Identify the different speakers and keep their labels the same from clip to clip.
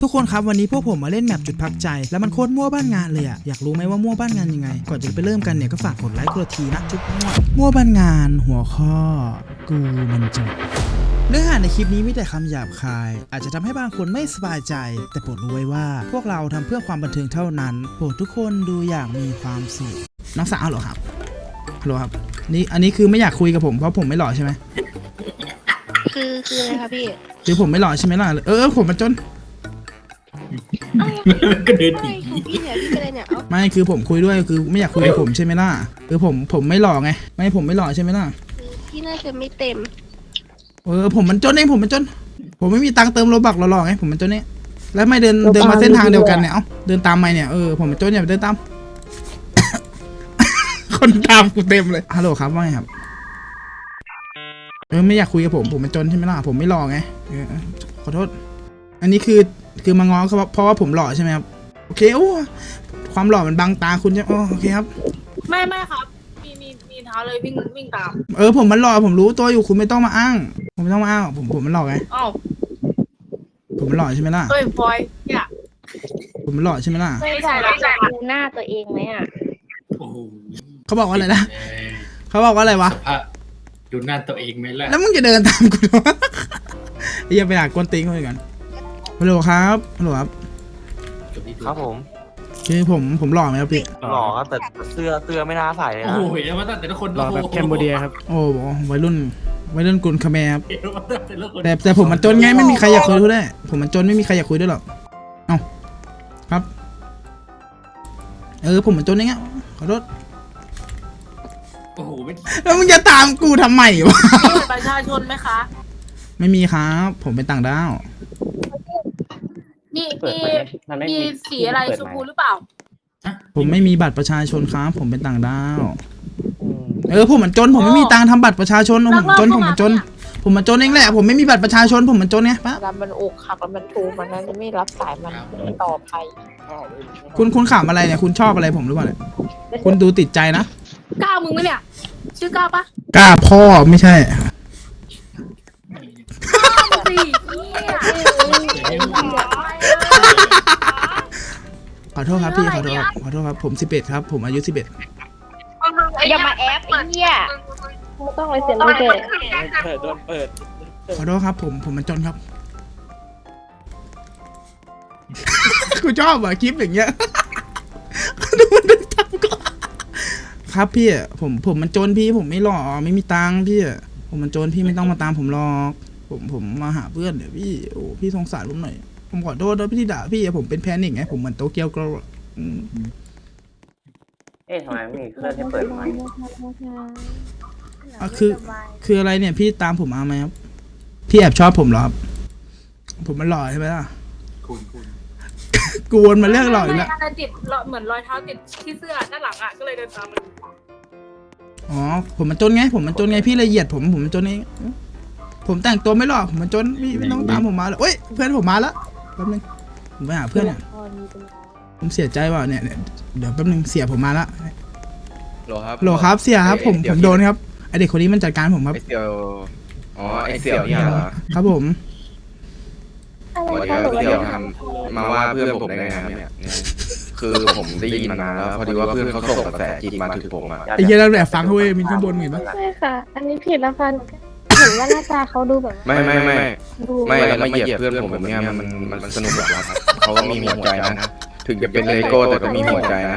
Speaker 1: ทุกคนครับวันนี้พวกผมมาเล่นแมปจุดพักใจแล้วมันโคตรมั่วบ้านงานเลยอะอยากรู้ไหมว่ามั่วบ้านงานยังไงก่อนจะไปเริ่มกันเนี่ยก็ฝากกดไลค์กดทีนะจุ๊บมั่วบ้านงานหัวข้อกูมันจบเนื้อหาในคลิปนี้มีแต่คำหยาบคายอาจจะทำให้บางคนไม่สบายใจแต่โปรดรู้ไว้ว่าพวกเราทำเพื่อความบันเทิงเท่านั้นโปรดทุกคนดูอย่างมีความสุขน้องสาวเหรอครับฮัลโหลครับนี่อันนี้คือไม่อยากคุยกับผมเพราะผมไม่หล่อใช่ไหม
Speaker 2: คืออะไรคะพี่
Speaker 1: คือผมไม่หล่อใช่ไหมล่ะผมมันจน
Speaker 3: ก็เดินหนี
Speaker 2: พี่เนี่ยพี่เป็นอะไรเนี่ย
Speaker 1: ไม่คือผมคุยด้วยคือไม่อยากคุยกับผมใช่ไหมล่ะคือผมไม่หล่อไงไม่ผมไม่หล่อใช่ไหมล่ะ
Speaker 2: พี่น่าจะไม่เต็ม
Speaker 1: ผมมันจนเองผมมันจนผมไม่มีตังค์เติมโลบักหล่อๆไงผมมันจนเนี่ยแล้วไม่เดินมาเส้นทางเดียวกันเนี่ยเดินตามไปเนี่ยผมมันจนอย่าเดินตาม คนตามกูเต็มเลยฮัลโหลครับว่าไงครับไม่อยากคุยกับผมมันจนใช่ไหมล่ะผมไม่หล่อไงขอโทษอันนี้คือมาง้อเพราะว่าผมหล่อใช่ไหมครับโอเคความหล่อมันบังตาคุณใช่โอเคครับ
Speaker 4: ไม่ครับมีเท้าเลยวิ่งตาม
Speaker 1: ผมมันหล่อผมรู้ตัวอยู่คุณไม่ต้องมาอ้างผมไม่ต้องมาอ้างผมมันหล่อไงผมมันหล่อใช่ไหมล่ะ
Speaker 4: เฮ้ยพลอยเนี่ย
Speaker 1: ผมมันหล่อใช่ไหมล่ะ
Speaker 4: ไม่ใช่
Speaker 2: ดูหน้าตัวเองไหมอ่ะ
Speaker 1: เขาบอกว่าอะไรนะเขาบอกว่าอะไรวะ
Speaker 3: ดูหน้าตัวเองไหมล่ะ
Speaker 1: แล้วมึงจะเดินตามกูทำไมอย่าไปหากวนตีนเขาเลยกันฮัลโหลครับ
Speaker 5: ครับผม
Speaker 1: คือผมหล่อไหมครับพี่
Speaker 5: หล่อครับแต่เสื้อไม่น่าใส่เลยนะ
Speaker 3: โอ้ยแล้วมาตั้งแต่ละคน
Speaker 6: หล่อแบบแคมโบเดียครับ
Speaker 1: โอ้วัยรุ่นกุลคาแมครับแต่ผมมันจนไงไม่มีใครอยากคุยด้วยได้ผมมันจนไม่มีใครอยากคุยด้วยหรอกเอ้าครับผมมันจนอย่างเงี้ยขอโทษ
Speaker 3: โอ้โห
Speaker 1: แล้วมึงจะตามกูทำไมวะ
Speaker 4: มีประชาชนไหมคะ
Speaker 1: ไม่มีครับผมเป็นต่างด้าว
Speaker 4: มีสีอะไรชมพูหรือเปล่า
Speaker 1: ผมไม่มีบัตรประชาชนครับผมเป็นต่างด้าวผมมันจนผมไม่มีตังค์ทำบัตรประชาชนผมมันจนผมมันจนเองแหละผมไม่มีบัตรประชาชนผมมันจนไงปั๊บ
Speaker 2: แล้วมันอกหักแล้วมันทูมันนั้นจะไม่รับสายมันต่อไป
Speaker 1: คุณขำอะไรเนี่ยคุณชอบอะไรผมหรือเปล่าเนี่ยคุณดูติดใจนะ
Speaker 4: ก้าวมึงไหมเนี่ยชื่อก้าวปะ
Speaker 1: กล้าพ่อไม่ใช่ขอโทษครับพี่ขอโทษครับผม11ครับผมอายุ11
Speaker 2: อย่ามาแอปไอ้เหี้ยไม่ต้องเลยเสียงเลยเกิด
Speaker 5: โดนเปิด
Speaker 1: ขอโทษครับผมมันจนครับกูชอบคลิปอย่างเงี้ยดูมันเป็นตังก็ครับพี่ผมมันจนพี่ผมไม่หล่อไม่มีตังพี่ผมมันจนพี่ไม่ต้องมาตามผมหรอกผมมาหาเพื่อนเดี๋ยวพี่พี่สงสารผมหน่อยผมขอโทษนะพี่ที่ด่าพี่ผมเป็นแพนิคไงผมเหมือนโตเกียวกรอ
Speaker 5: ทำไมไม่มีเครื่องที่เปิดไมค์
Speaker 1: คืออะไรเนี่ยพี่ตามผมมาไหมครับพี่แอบชอบผมเหรอครับผมมันหล่อใช่ไหมล่ะ
Speaker 3: คุณ
Speaker 1: กวนมาเรื่องหล่ออีกแล้ว
Speaker 4: ติดเหมือนรอยเท้าติดที่เสื้อด้านหลังอ่ะก็เลยเดินตามมัน
Speaker 1: ผมมันจนไงพี่เลยเหยียดผมมันจนเองผมแต่งตัวไม่หล่อผมมันจนพี่ไม่ต้องตามผมมาเลยเฮ้ยเพื่อนผมมาแล้วแป๊บนึงผมไปหาเพื่อนเนี่ยผมเสียใจว่ะเนี่ยเดี๋ยวแป๊บนึงเสียผมมาละ
Speaker 5: โหล
Speaker 1: ครับเสียครับผมโดนครับไอเด็กคนนี้มันจัดการผมครับ
Speaker 5: ไอเสี่ยวเนี่ยเหรอ
Speaker 1: ครับผม
Speaker 5: เสี่ยวทำมาว่าเพื่อนผมได้ไงครับเนี่ยคือผมได้ยินมานานแล้วพอดีว่าเพื่อนเขาส่งกระแสจิตมาถึงผมอ่ะ
Speaker 1: ไอ้เหี้ยเราแอบฟังเขาเว้ยมีข้างบนเห็นปะ
Speaker 2: ใช่ค่ะอันนี้ผิดแล้วค่ะเห็นว่าหน้าตาเขาดูแบบ
Speaker 5: ไม่แล้วมาเหยียบเพื่อนผมแบบนี้มันสนุกแบบว่าเขาก็มีหัวใจนะถึงจะเป็นเลโก้แต่ก็มีหัวใจนะ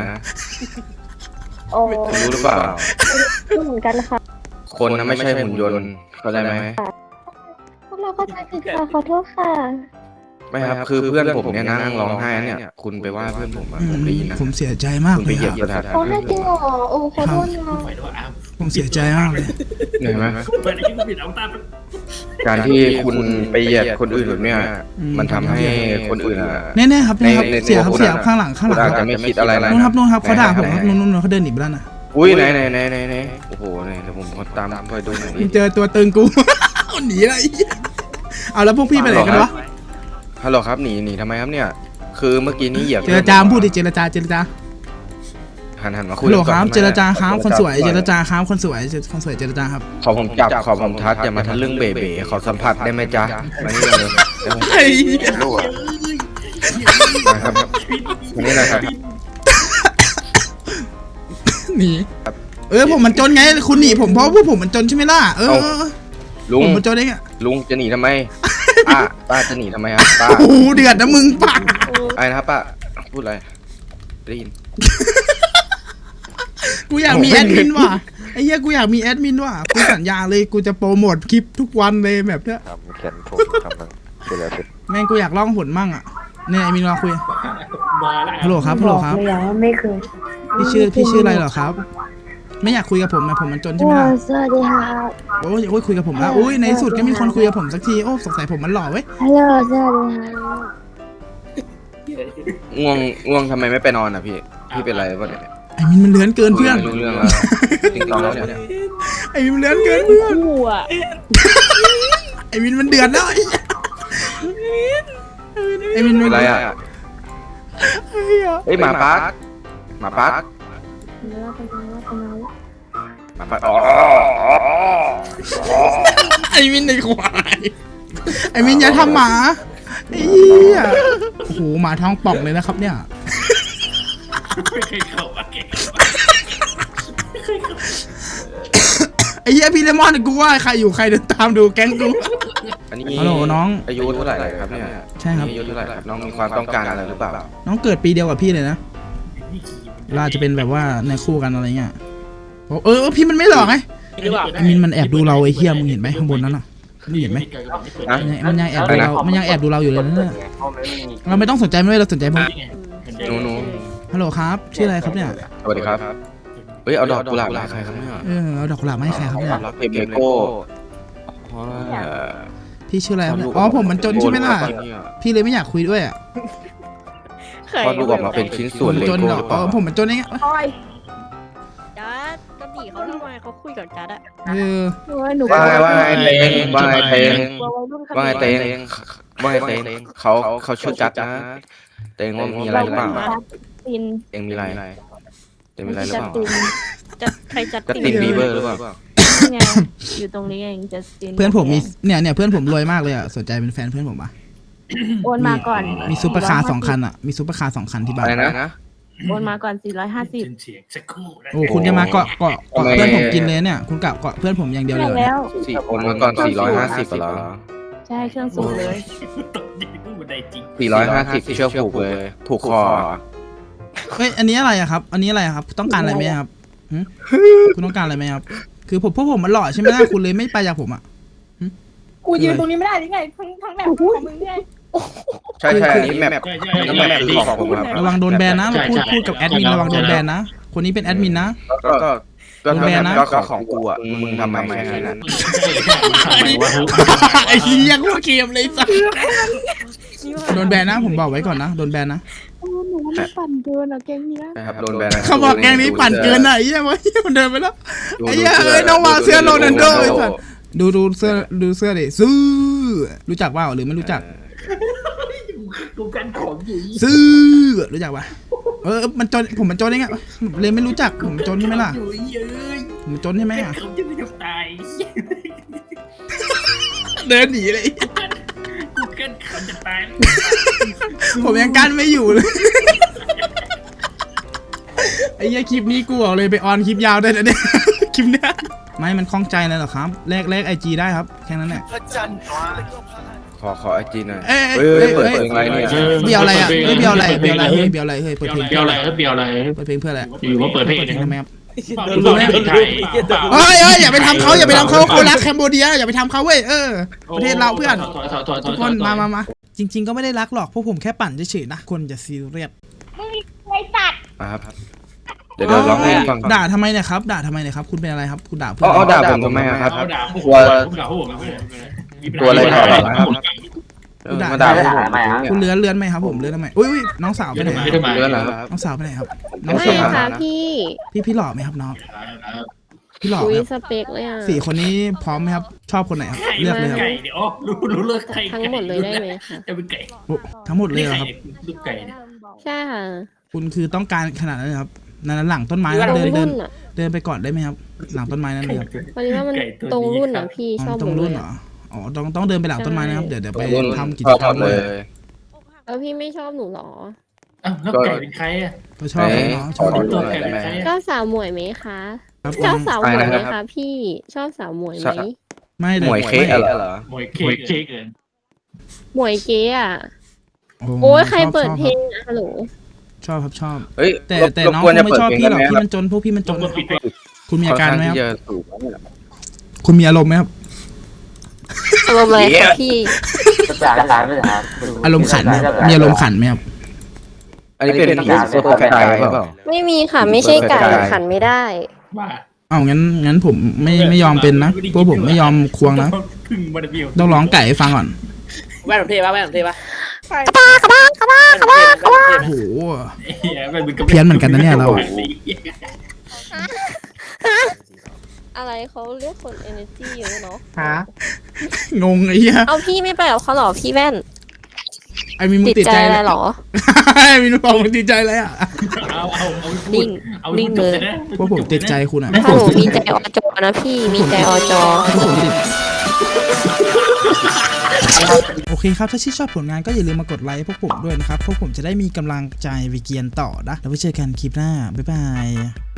Speaker 5: รู้หรือเปล่า
Speaker 2: เหมือนกันค่ะ
Speaker 5: คนนะไม่ใช่หุ่นยนต์เข้าใจไหม
Speaker 2: พวกเราก็ใจผิดค่ะขอโทษค่ะ
Speaker 5: ไม่ครับคือเพื่อนผมเนี่ยนั่งร้องไห้เนี่ยคุณไปว่าเพื่อนผมผมได้ยินนะ
Speaker 1: ผมเสียใจมาก
Speaker 5: เลยครับ
Speaker 2: เขาให้จริงเหรอขอโทษนะ
Speaker 1: ผมเสียใจมากเลย
Speaker 5: เห็นไหมการที่คุณไปเหยียดคนอื่นแบบเนี้ยมันทำให้คนอื่น
Speaker 1: แน่ๆครับเสียข้างหลัง
Speaker 5: อาจจะไม่คิดอะไรนะ
Speaker 1: นู่นครับเขาด่าผมครับนู่นเขาเดินหนีไปแล้วนะ
Speaker 5: อุ้ยไหนโอ้โหเนี่ยเดี๋ยวผมตามไปดูหน่อย
Speaker 1: เจอตัวตึงกูหนีอะไรเอาแล้วพวกพี่ไปไหนกันวะ
Speaker 5: ฮัลโหลครับหนีทำไมครับเนี่ยคือเมื่อกี้นี้เหยียบ
Speaker 1: เจรจาพูดดิเจรจา
Speaker 5: หันมาคุย
Speaker 1: ฮัลโหลครับเจรจาครับคนสวยเจรจาครับคนสวยเจรจาครับ
Speaker 5: ขอผมจับขอผมทัดอย่ามาทะลึ่งเบ๋ขอสัมผัสได้ไหมจ๊ะมานี่เลยครับวันนี้นะครับ
Speaker 1: หนีผมมันจนไงคุณหนีผมเพราะพวกผมมันจนใช่ไหมล่ะ
Speaker 5: ลุง
Speaker 1: ผมมันจนเองอะ
Speaker 5: ลุงจะหนีทำไมป้าจะหนีทำไมครับป้า
Speaker 1: โอ้โหเดือดนะมึงป้า
Speaker 5: ไอ้นะครับป้าพูดอะไรได้ยิน
Speaker 1: กูอยากมีแอดมินว่ะไอ้เหี้ยกูอยากมีแอดมินว่ะกูสัญญาเลยกูจะโปรโมทคลิปทุกวันเลยแบบเนี้ย
Speaker 6: ทำแขนผมทำมันดูแลเป็น
Speaker 1: แม่งกูอยากล่องหนมั่งอ่ะเนี่ยไอ้มินมาคุย
Speaker 3: มาแล้ว
Speaker 1: ฮัลโหลครับฮัลโหลครับ
Speaker 2: เลยว่าไม่เคย
Speaker 1: พี่ชื่ออะไรเหรอครับ ไม่อยากคุยกับผมนะผมมันจนใช่ไหมล่ะ
Speaker 2: สวัสดีค่ะ
Speaker 1: โอ้ยคุยกับผมแล้วอุ้ยในที่สุดก็มีคนคุยกับผมสักทีโอ้สงสัยผมมันหล่อเว้ย
Speaker 2: ฮัลโหลสวัสดีค่ะ
Speaker 5: ง่วงทำไมไม่ไปนอนอ่ะพี่เป็นไรวะเนี่ย
Speaker 1: ไอ้มินมันเลื้อนเกินเพื่อน
Speaker 5: รู้เรื่องแล้วจริงตอนแล้วเนี่ย
Speaker 1: ไอ้มินมันเลื้อนเกินเพื่อน
Speaker 2: กูอ่ะ
Speaker 1: ไอ้มินมันเดือดแล้วไอ้มิน
Speaker 5: เป็นไรอ่ะเฮ้ยหมาปักหมาปักอ๋อ
Speaker 1: ไอ้มินในควายไอ้มินอย่าทำหมาไอ้เหี้ยโอ้โหหมาท้องป่องเลยนะครับเนี่ย
Speaker 3: ไม่เคยเข้าอะเก่ง
Speaker 1: ไอ้เหี้ยพี่เลมอนกูว่าใครอยู่ใครเดินตามดูแก๊งกู
Speaker 5: อันนี้
Speaker 1: ฮัลโหลน้อง
Speaker 5: อายุเท่าไหร่ครับเนี่ย
Speaker 1: ใช่ครับ
Speaker 5: อายุเท่าไหร่ครับน้องมีความต้องการอะไรหรือเปล่า
Speaker 1: น้องเกิดปีเดียวกับพี่เลยนะเราอาจจะเป็นแบบว่าในคู่กันอะไรเงี้ยพี่มันไม่หลอกไงไอ้มินมันแอบดูเราไอ้เหี้ยมึงเห็นไหมข้างบนนั้นน่ะมึงเห็นไหมมันยังแอบดูเรามันยังแอบดูเราอยู่เลยนะเนี่ยเราไม่ต้องสนใจไม่ได้เราสนใจผม
Speaker 5: หนู
Speaker 1: ฮัลโหลครับชื่ออะไรครับเนี่ย
Speaker 5: สวัสดีครับเฮ้ยเอาดอกกุหลาบมาให้ใครครับเนี่ย
Speaker 1: เอาดอกกุหลาบมาให้ใครครับเนี่ย
Speaker 5: รักเพมโก้
Speaker 1: พี่ชื่ออะไรครับเนี่ยอ๋อผมมันจนใช่ไหมล่ะพี่เลยไม่อยากคุยด้วยอ่ะ
Speaker 5: พอดูออกมาเป็นชิ้นส่วนเล
Speaker 1: จน
Speaker 5: โก้
Speaker 1: เหรอ
Speaker 5: หรือเปล่า
Speaker 1: ผมมันจนเองอะ
Speaker 7: จัดก็หนีเขาทำไมเขาคุยกับจัดอะ
Speaker 2: หนู
Speaker 5: ว่าไงเตงว่าไงเตงว่าไงเตงว่าไงเตงเขาชื่อจัดนะเตงว่ามีอะไรหรือเปล่า
Speaker 2: ติน
Speaker 5: เตงมีอะไรเตงมีอะไรหรือเปล่า
Speaker 7: จัดใครจัด
Speaker 5: จัดตินบีเบอร์หรือเปล่า
Speaker 2: ไงอยู่ตรงนี้เองจัสติน
Speaker 1: เพื่อนผมมีเนี่ยเพื่อนผมรวยมากเลยอ่ะสนใจเป็นแฟนเพื่อนผมปะ
Speaker 2: โอนมาก่อน
Speaker 1: มีซุปเปอร์คาร์2 คันอ่ะมีซุปเปอร์คาร์2 คันที่บ้า
Speaker 5: อะไร
Speaker 1: น
Speaker 5: นะ
Speaker 2: โอนมาก่อน
Speaker 3: เสียงสักครู่นะ
Speaker 1: โอ้คุณจะมาเกาะเพื่อนผมกินเลยเนี่ยคุณเกาะเพื่อนผมอย่างเดียวเลย
Speaker 2: 400แล้ว
Speaker 5: 4 คนมาก่อน450เหรอ
Speaker 2: ใช่เครื่องสูงเลย
Speaker 3: ตกดีกูบันไดจริง
Speaker 5: 450เชือกผูกเลยผูกคอ
Speaker 1: เฮ้ยอันนี้อะไรอะครับ อันนี้อะไรครับต้องการอะไรไหมครับคุณต้องการอะไรไหมครับคือพวกผมมันหล่อใช่ไหมล่ะคุณเลยไม่ไปจากผมอ่ะ
Speaker 4: กูยืนตรงนี้ไม่ได้หรือไงทั้งแบบของมึงไง
Speaker 5: ใช่อันนี้แมป
Speaker 3: ใช่
Speaker 5: น้ำแมปคือของผมครับ
Speaker 1: ระวังโดนแบนนะพูดกับแอดมินระวังโดนแบนนะคนนี้เป็นแอดมินนะ
Speaker 5: ก็ของกูอ่ะมึงทำไมแค่นั้น
Speaker 1: ไอ้เหี้ยกูเกมเลยสัสโดนแบนนะผมบอกไว้ก่อนนะโดนแบนนะ
Speaker 2: หนูว่ามันปั่นเกินอ่ะแกงนี้
Speaker 5: นะครับโดนแบน
Speaker 1: เขาบอกแกงนี้ปั่นเกินอ่ะไอ้เหี้ยวะมันเดินไปแล้วไอ้เหี้ยน้องวางเสื้อโรนัลโดไอ้สัสดูเสื้อดิซื้อรู้จักว่าหรือไม่รู้จัก
Speaker 3: กูกันของอยู่
Speaker 1: ซื้อรู้จักปะมันจนผมมันจนเองอะเลยไม่รู้จักผมจนใช่ไหมล่ะ
Speaker 3: อยู่เยอะ
Speaker 1: ผมจนใช่ไหมอะ
Speaker 3: เขาจะไม่ตาย
Speaker 1: เดินหนีเลย
Speaker 3: กูกันเขาจะตาย
Speaker 1: ผมยังกั้นไม่อยู่เลยไอ้เหี้ยคลิปนี้กูบอกเลยไปออนคลิปยาวได้นะเนี่ยคลิปเนี้ยไม่มันคล่องใจเลยเหรอครับแลกIG ได้ครับแค่นั้นแหละ
Speaker 5: ขอไอจีหน่อย
Speaker 1: เอ้ย
Speaker 5: เปิดเพลงอะไรเนี่ย
Speaker 1: เบียวอะไรอ่ะเบียวอะไรเฮ้ยเปิดเพลง
Speaker 3: เบียวอะไรเบียวอะไร
Speaker 1: เปิดเพลงเพื่ออะไร
Speaker 3: อยู่ว่าเปิดเพลง
Speaker 1: ทำไมครับ
Speaker 3: รู้ไหมไทย
Speaker 1: เฮ้ยอย่าไปทำเขาเขารักแคมโบเดียอย่าไปทำเขาเว้ยประเทศเราเพื่อนทุกคนมาจริงๆก็ไม่ได้รักหรอกพวกผมแค่ปั่นเฉยๆนะคนจะซีเรียส
Speaker 2: ไอ้สัตว์
Speaker 5: ครับเดี๋ยวร้องให้ฟัง
Speaker 1: ด่าทำไมเนี่ยครับด่าทำไมเนี่ยครับคุณเป็นอะไรครับคุณด่าเพื่
Speaker 5: อ๋อด่าผมทำไมครับ
Speaker 3: ด่าพวกผม
Speaker 5: ตัวอะไรต่อครับมาด่าผม
Speaker 1: คุณเลื้อนไหมครับผมเลื้อนทำไมอุ้ยน้องสาวไปไหน
Speaker 3: ไม่ทำไม
Speaker 5: เรื่องอะไรครับ
Speaker 1: น้องสาวไปไหนครับ
Speaker 2: ไม่ค่ะ
Speaker 1: พี่หล่อไหมครับน้องพี่หล่อ
Speaker 2: คุย
Speaker 1: ครับ
Speaker 2: สเปคเลยอ่ะ
Speaker 1: 4 คนนี้พร้อมไหมครับชอบคนไหนครับเลือกเลยครับ
Speaker 3: ไก่เดี๋ยวรู้เลิกไก่
Speaker 2: ทั้งหมดเลยได้ไหมคะ
Speaker 3: จะเป็นไก่
Speaker 1: ทั้งหมดเลยเหรอครับ
Speaker 3: ลูกไก่เนี่ย
Speaker 2: ใช่ค่ะ
Speaker 1: คุณคือต้องการขนาดนั้นเลยครับนั้นหลังต้นไม้นะเดินไปก่อนได้ไหมครับหลังต้นไม้นั้นเลยครับ
Speaker 2: พอดีว่ามันตรงรุ่นอ่ะพี่ชอบ
Speaker 1: ตรงรุ่นเหรออ๋อต้องเดินไปหลังต้นไม้นะครับเดี๋ยวไปทำกิจกรรมเลย
Speaker 2: แล้วพี่ไม่ชอบหนูหรอ
Speaker 3: อ้าวแล้วไก่เป็นใครอ่ะ
Speaker 1: ก็ชอบเนาะชอบ
Speaker 3: ตัวไก่เป็นใคร
Speaker 2: ชอ
Speaker 3: อ่ะ
Speaker 2: บสาวหมวยไหมคะ
Speaker 1: ครับ
Speaker 2: ชอบสาวหมวยไหม
Speaker 5: อะไรนะครั
Speaker 2: คะ
Speaker 5: บ
Speaker 2: พี่ชอบสาวหมวยไหม
Speaker 1: ไม่
Speaker 5: หมวยเค้กเหรอ
Speaker 3: หมวยเค้กเกิน
Speaker 2: หมวยเก๋อะโอ้ยใครเปิดเพลงอะฮัลโหล
Speaker 1: ชอบครับชอบ
Speaker 5: เฮ้ย
Speaker 1: แต่
Speaker 5: รบ
Speaker 1: น้อง
Speaker 5: กวน
Speaker 1: ค
Speaker 5: จะ
Speaker 1: งไม่
Speaker 5: เปิด
Speaker 1: ชอบ
Speaker 5: เพลง
Speaker 1: พี่หรอก
Speaker 5: ได้ไหม
Speaker 1: พี่มันจนพวกพี่มันจน
Speaker 3: ต้องปิดไป
Speaker 1: คุณมีอาการไหมครับ
Speaker 5: ค่อนข้งที่จะสูงเนี่ย
Speaker 1: คุณมีอารมณ์ไหมครับ
Speaker 2: อารมณ์อะไรคะพี่
Speaker 1: อารมณ์ขันไหมครับมีอารมณ์ขันไหมครับ
Speaker 5: อันนี้เป็นผีตัวไก่หรือเปล่า
Speaker 2: ไม่มีค่ะไม่ใช่ไก่ขันไม่ได้
Speaker 3: ว่า
Speaker 1: อ้าวงั้นผมไม่ยอมเป็นนะพวกผมไม่ยอมควงนะ
Speaker 3: พึ่งมาเดียว
Speaker 1: ต้องร้องไก่ให้ฟังก่อน
Speaker 8: แว่นผมเท่ปะแว่นผมเท่ปะ
Speaker 1: โอ้โห
Speaker 3: เพี้ยน
Speaker 1: เพี้ยนเหมือนกันนะเนี่ยเราอะ
Speaker 2: อะไรเขาเรียกคน energy เยอะเนาะ
Speaker 1: งงไอ้เหี้ย
Speaker 2: เอาพี่ไม่ไปกับเขาหรอพี่แว่น
Speaker 1: ไอ้มีมึง
Speaker 2: ติด
Speaker 1: ติด
Speaker 2: ใจ
Speaker 1: ใจ
Speaker 2: อะไรหรอ
Speaker 1: ไอ้มีมึงบอกมึงติดใจอะไรอ่ะ
Speaker 2: นิ่งนิ่งเลย
Speaker 1: พวกผมติดใจคุณอ่ะ
Speaker 2: ถ้าหนูมีใจอจอนะพี่มีใจอจอ
Speaker 1: พวกผมติดโอเคครับถ้าชื่นชอบผลงานก็อย่าลืมมากดไลค์พวกผมด้วยนะครับพวกผมจะได้มีกำลังใจไปเกียนต่อนะแล้วไว้เจอกันคลิปหน้าบ๊ายบาย